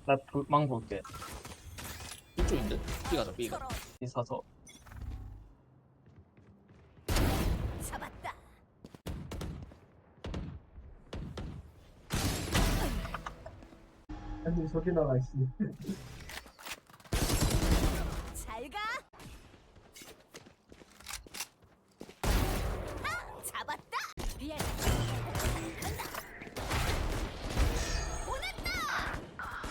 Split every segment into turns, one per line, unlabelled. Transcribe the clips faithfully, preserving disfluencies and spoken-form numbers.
나망 볼게.
이쪽인데? B 가자 B 가.
있어서.
잡았다.
아니 저기 나가 있어.
잘 가. 아, 잡았다. 비엔. 간다. 보냈다.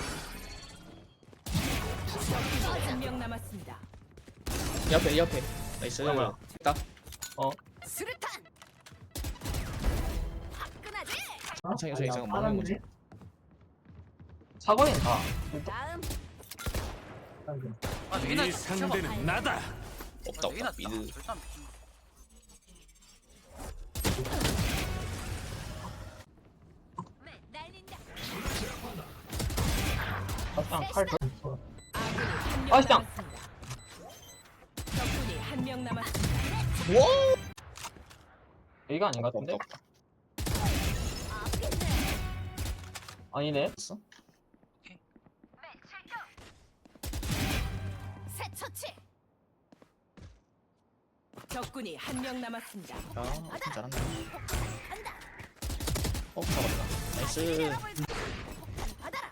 한 명 남았습니다.
이 앞에 이 앞에. 나이스.
잠깐만.
딱.
어.
수류탄. 화끈하지.
괜찮아 괜찮아 괜찮아. 막는 거지.
사거리는 다.
다음.
아,
이 상대는 나다.
없다 없다. 미드.
일단
네, 날린다.
아땅 칼. 더-
아군이 한명
아, 시장.
남았습니다. 적군이 한 명 남았습니다.
A가 아닌 것
없다
같은데?
없다.
아겠네.
아니네.
없어?
새 처치.
적군이 한 명 남았습니다.
야, 좀 잘한다.
간다.
어, 잡았다. 나이스.
미네랄을 폭탄 받아라.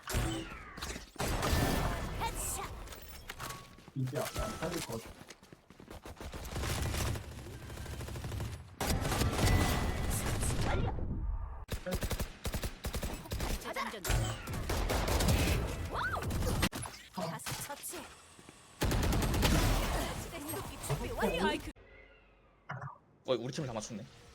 헤드샷.
이제 안 살릴 것 같아.
완료. 폭탄 재장전. 와우. 가스 처치. 공격기 준비 완료.
스파이크
어, 우리 팀을 다 맞췄네.